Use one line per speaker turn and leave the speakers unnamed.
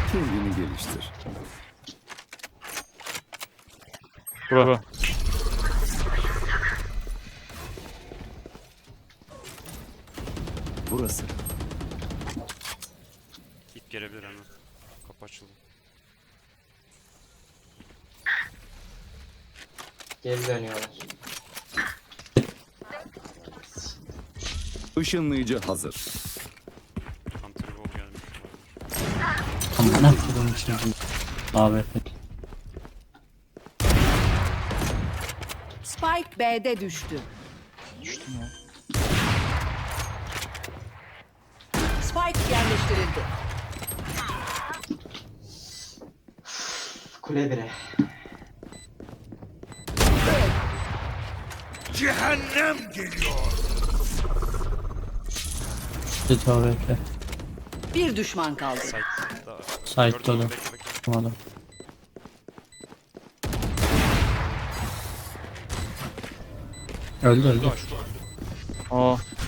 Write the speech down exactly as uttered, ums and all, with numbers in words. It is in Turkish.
Kendini geliştir.
Bura.
Burası.
İp gelebilir hemen. Kapı açıldı.
Geri dönüyorlar.
Işınlayıcı hazır.
Hunter Ball gelmiş.
Amına koyduğum için. Abi.
Spike B'de düştü.
Düştüm ya.
Spike yerleştirildi.
Kule bire.
Git abi bekle.
Bir düşman kaldı.
Site'da.
Site'da
Gördüm,
da.
bekle, bekle.
Tamam. Öldü öldü.
Şurada, şurada.
Aa